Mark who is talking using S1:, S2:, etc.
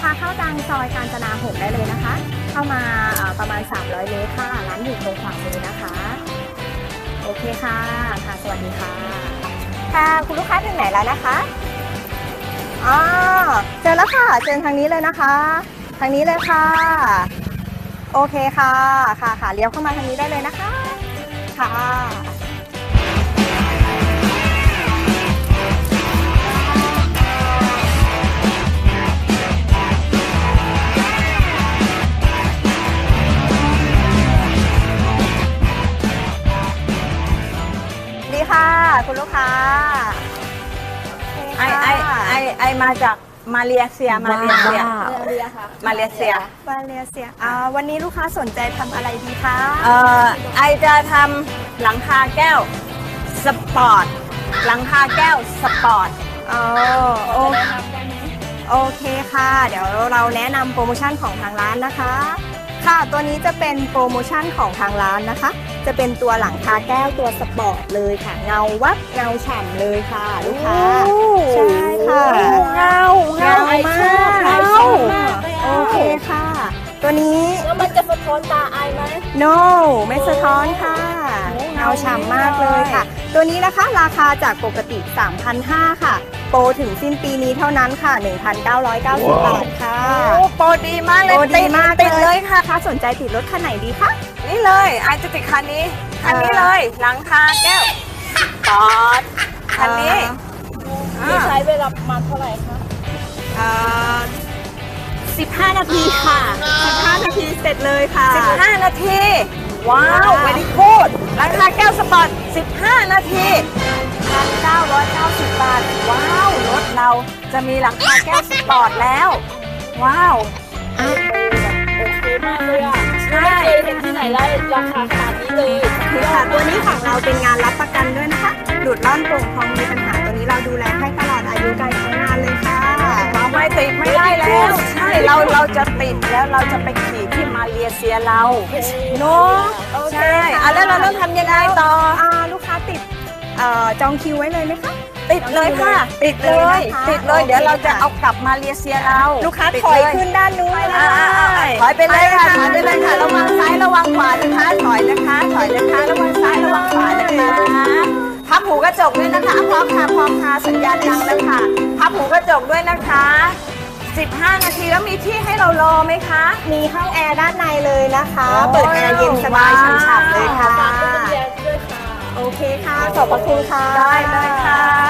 S1: ค้าเข้าทางซอยกาญจนา6ได้เลยนะคะ เข้ามาประมาณ300 เมตรค่ะร้านอยู่ตรงขวามือนะคะโอเคค่ะค่ะสวัสดีค่ะค่ะคุณลูกค้าถึงไหนแล้วนะคะอ๋อเจอแล้วค่ะเจอทางนี้เลยนะคะทางนี้เลยค่ะโอเคค่ะค่ะเลี้ยวเข้ามาทางนี้ได้เลยนะคะค่ะดีค่ะคุณลูกค้า
S2: ไอมาจากมาเลเซีย
S1: มาเลเซียวันนี้ลูกค้าสนใจทำอะไรดีคะ
S2: ไอจะทำหลังคาแก้วสปอร์ตหลังคาแก้วสปอร์ต
S1: โอเคค่ะเดี๋ยวเราแนะนำโปรโมชั่นของทางร้านนะคะค่ะตัวนี้จะเป็นโปรโมชั่นของทางร้านนะคะจะเป็นตัวหลังคาแก้วตัวสปอร์ตเลยค่ะเงาวับเงาฉ่ำเลยค่ะลูกค้าใช่ค่ะ
S2: เงามาก
S1: โอเคค่ะตัวนี้
S2: แล้วมันจะสะท้อนตาไอไหม
S1: no ไม่สะท้อนค่ะเงาฉ่ำมากเลยค่ะตัวนี้นะคะราคาจากปกติ 3,500 ค่ะโปรถึงสิ้นปีนี้เท่านั้นค่ะ 1,990 บาทค่ะ
S2: โปรดีมากเลย
S1: โปรดีมาก
S2: ติดเลยค่ะ
S1: ถ้าสนใจติดรถคันไหนดีคะ
S2: นี่เลยไอจะติดคันนี้เลยหลังคาแก้วปอดคันนี้
S3: ใช้เวลาประมาณเท่าไหร่คะ
S1: 15 นาทีค่ะ15 นาทีเสร็จเลยค่ะ
S2: 15 นาทีว้าวเวลี่กูดหลังคาแก้วสปอร์ต15 นาที1,990 บาทว้าวรถเราจะมีหลังคาแก้วสปอร์ตแล้วว้าว
S3: โอเคมากเลยอ่ะไม่เคยเห็นที่ไหนได้ราคาขนาดนี้เลย
S1: ค่ะตัวนี้ของเราเป็นงานรับประกันด้วยนะคะหลุดร่อนโป่งพองมีปัญหาตัวนี้เราดูแลให้ตลอดอายุการใช้งานเลยค่ะ
S2: เราไม่ติดไม่ได้แล้วใช่เราจะติดแล้วเราจะไปขี่ที่มาเลเซียเราเนาะใช่แล้วเราต้องทำยังไงต่อ
S1: ลูกค้าติดจองคิวไว้เลยไหมคะ
S2: ติดเลยค่ะติดเลยเดี๋ยวเราจะเอากลับมาเลเซียเรา
S1: ลูกค้าถอยขึ้นด้านนู้น
S2: ถอยไปเลยค่ะระวังซ้ายระวังขวานะคะถอยนะคะระวังซ้ายระวังขวานะคะพับหูกระจกด้วยนะคะพร้อมค่ะสัญญาณดังแล้วค่ะพับหูกระจกด้วยนะคะ15 นาทีแล้วมีที่ให้เรารอไหมคะ
S1: มีห้องแอร์ด้านในเลยนะคะเปิดแอร์เย็นสบายฉ่ำๆเลยค่ะโอเคค่ะขอบพระคุณค่ะ
S2: ได้เลยค่ะ